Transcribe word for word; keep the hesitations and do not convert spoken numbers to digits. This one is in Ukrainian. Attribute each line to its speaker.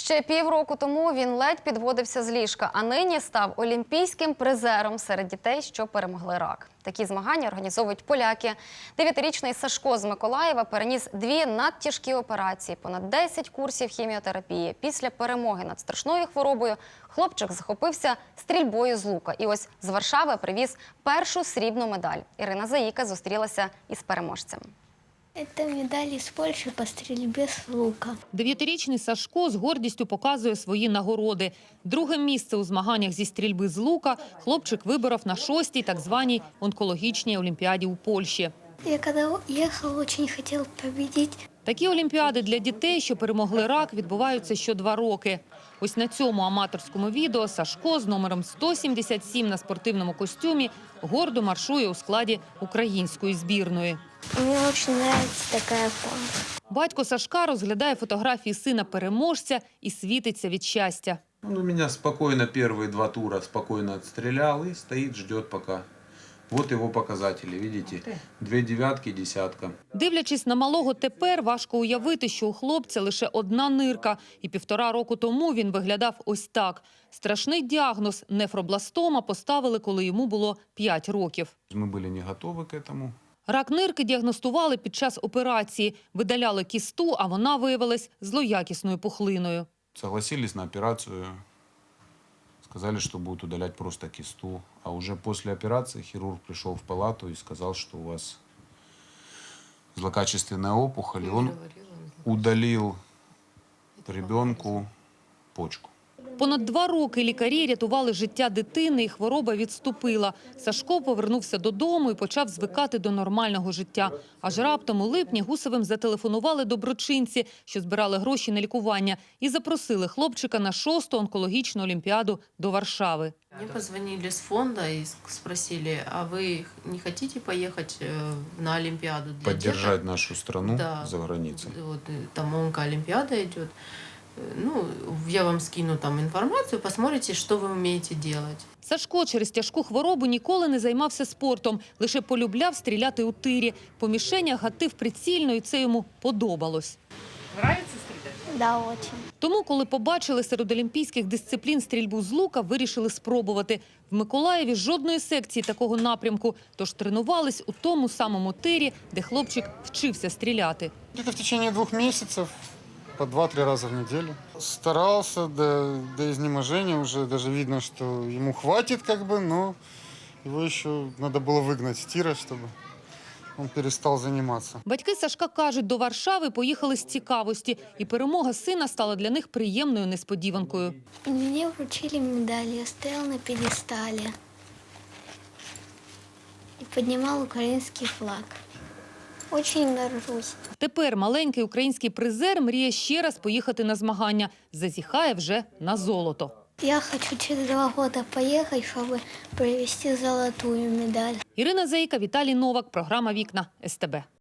Speaker 1: Ще півроку тому він ледь підводився з ліжка, а нині став олімпійським призером серед дітей, що перемогли рак. Такі змагання організовують поляки. Дев'ятирічний Сашко з Миколаєва переніс дві надтяжкі операції, понад десять курсів хіміотерапії. Після перемоги над страшною хворобою хлопчик захопився стрільбою з лука. І ось з Варшави привіз першу срібну медаль. Ірина Заїка зустрілася із переможцем.
Speaker 2: Це медаль із Польщі по стрільбі з лука.
Speaker 3: Дев'ятирічний Сашко з гордістю показує свої нагороди. Друге місце у змаганнях зі стрільби з лука хлопчик виборов на шостій так званій онкологічній олімпіаді у Польщі.
Speaker 2: Я коли їхав, дуже хотів победити.
Speaker 3: Такі олімпіади для дітей, що перемогли рак, відбуваються що два роки. Ось на цьому аматорському відео Сашко з номером сто сімдесят сім на спортивному костюмі гордо маршує у складі української збірної.
Speaker 2: Мені дуже подобається така форма.
Speaker 3: Батько Сашка розглядає фотографії сина-переможця і світиться від щастя.
Speaker 4: Он у меня спокойно первые два тура спокойно отстрелял и стоит, ждет пока. Вот его показатели, видите? Две девятки, десятка.
Speaker 3: Дивлячись на малого тепер, важко уявити, що у хлопця лише одна нирка. І півтора року тому він виглядав ось так. Страшний діагноз – нефробластома поставили, коли йому було п'ять років.
Speaker 4: Мы были не готовы к этому.
Speaker 3: Рак нирки діагностували під час операції. Видаляли кісту, а вона виявилась злоякісною пухлиною.
Speaker 4: Согласились на операцию. Сказали, что будут удалять просто кисту. А уже после операции хирург пришел в палату и сказал, что у вас злокачественная опухоль. И он удалил ребенку почку.
Speaker 3: Понад два роки лікарі рятували життя дитини, і хвороба відступила. Сашко повернувся додому і почав звикати до нормального життя. Аж раптом у липні Гусевим зателефонували доброчинці, що збирали гроші на лікування, і запросили хлопчика на шосту онкологічну олімпіаду до Варшави.
Speaker 5: Мне позвонили с фонда и спросили, а вы не хотите поехать на Олимпиаду? Для
Speaker 4: Поддержать
Speaker 5: деток?
Speaker 4: нашу страну
Speaker 5: Да.
Speaker 4: за границей.
Speaker 5: Вот, там онкоолимпиада идет. Ну, я вам скину там информацию, посмотрите, что вы умеете делать.
Speaker 3: Сашко через тяжку хворобу ніколи не займався спортом, лише полюбляв стріляти у тирі. По мішенях гатив прицільно, і це йому подобалось.
Speaker 5: Нравится стрелять?
Speaker 2: Да, дуже.
Speaker 3: Тому, коли побачили серед олімпійських дисциплін стрільбу з лука, вирішили спробувати. В Миколаєві жодної секції такого напрямку, тож тренувались у тому самому тирі, де хлопчик вчився стріляти.
Speaker 6: Где-то в течение двух месяцев, по два-три раза в неделю. Старался до, до изнеможения, уже даже видно, что ему хватит, как бы, но его еще надо было выгнать с тира, чтобы он перестал заниматься.
Speaker 3: Батьки Сашка кажуть, до Варшави поїхали з цікавості, і перемога сина стала для них приємною несподіванкою.
Speaker 2: І мені вручили медаль, я стояла на п'єдесталі і піднімав український флаг. Дуже горжусь.
Speaker 3: Тепер маленький український призер мріє ще раз поїхати на змагання. Зазіхає вже на золото.
Speaker 2: Я хочу через два роки поїхати, щоб привезти золотую медаль.
Speaker 3: Ірина Заїка, Віталій Новак. Програма «Вікна» ес те бе.